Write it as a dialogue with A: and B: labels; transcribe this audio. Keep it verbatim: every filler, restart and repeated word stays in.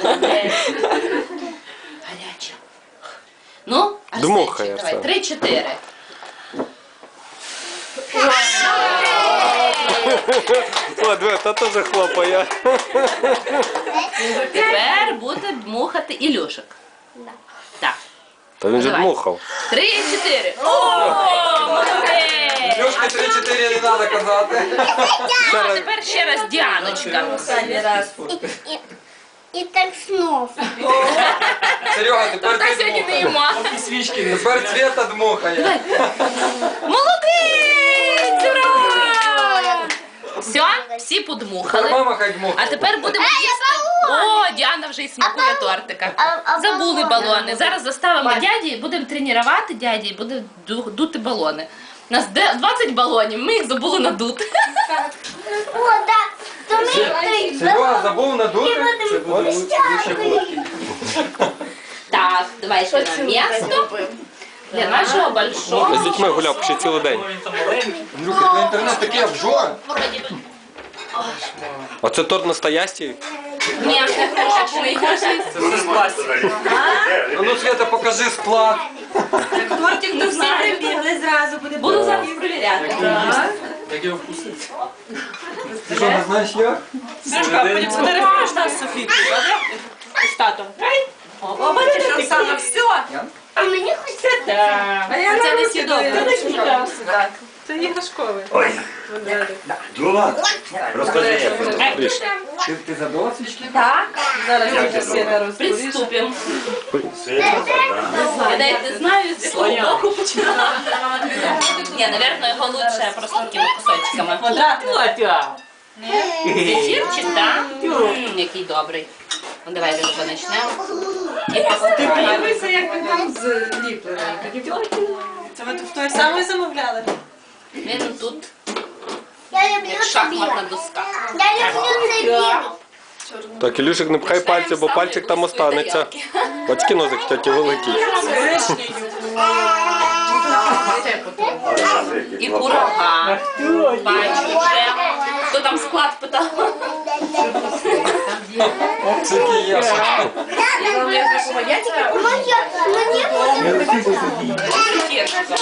A: Гаряче. Ну,
B: Дмухає
A: Арсенчик, давай,
B: все.
A: три-чотири.
B: О, диви, та теж хлопає.
A: Тепер буде дмухати Ілюшик. Так.
B: Та він же
A: Давай.
B: дмухав.
A: Три-чотири. О, молодець!
C: Льошки три-чотири не треба казати.
A: Ну, а тепер ще раз Діаночка.
D: І так знов.
C: Серега, тепер
A: Та
C: ти
A: сьогодні не
C: дмухай.
A: їмо.
C: Тепер Цвета дмухає.
A: Молодець! Ура! Все, всі подмухали.
C: Мама хай дмухає.
A: А тепер будемо їсти. О, Діана вже і смакує тортика. Забули балони. Зараз заставимо дяді і будемо тренувати дяді і будемо ду- дути балони. У нас де- двадцять балонів, ми їх забули надути.
D: О, так. То ми той
C: Серега забув надути. Це буде лучше булочки.
A: Так, давай ще на місто для нашого
B: З
A: большого.
B: дітьми гуляв ще цілий день.
C: Андрюха, твій інтернет такий обжор.
B: А це торт настоящий?
A: Ні, це крошечний.
C: А ну, Света, покажи склад.
E: Тортик до всі прибігли зразу, буде
A: Буду зараз перевіряти.
C: Як його вкусити? Ти що, не знаєш як?
E: Сашка, потім фотографуєш нас з Софійкою, добре? З татом. О, бачиш, Оксана, все.
D: А мені хочеться.
E: А я
A: Це не сідобре.
E: Це іграшковий.
F: Дула, розкажи.
C: Ти, ти задула свічки?
E: Зараз буде Света розповіше.
A: Приступимо. Я навіть не знаю, з якого боку починати. Ні, напевно, його лучше просто такими кусочками. Зефірчик, так? М, Який добрий. Ну, давай вже почнемо. І посипаємо.
E: Дивися, як він там зліплений. Це ви в той самий замовляли?
A: Він тут
D: Я люблю
A: як
D: тобі.
A: шахматна доска.
D: Я люблю цей білий.
B: Так, Ілюшик, не пхай пальці, бо пальчик там останеться. Батьки нозик в тьоті великий.
A: І курага. Бачу вже. Хто там склад питав?
C: Це який ясок.
D: Моя, мені буде.
A: Зефірчик.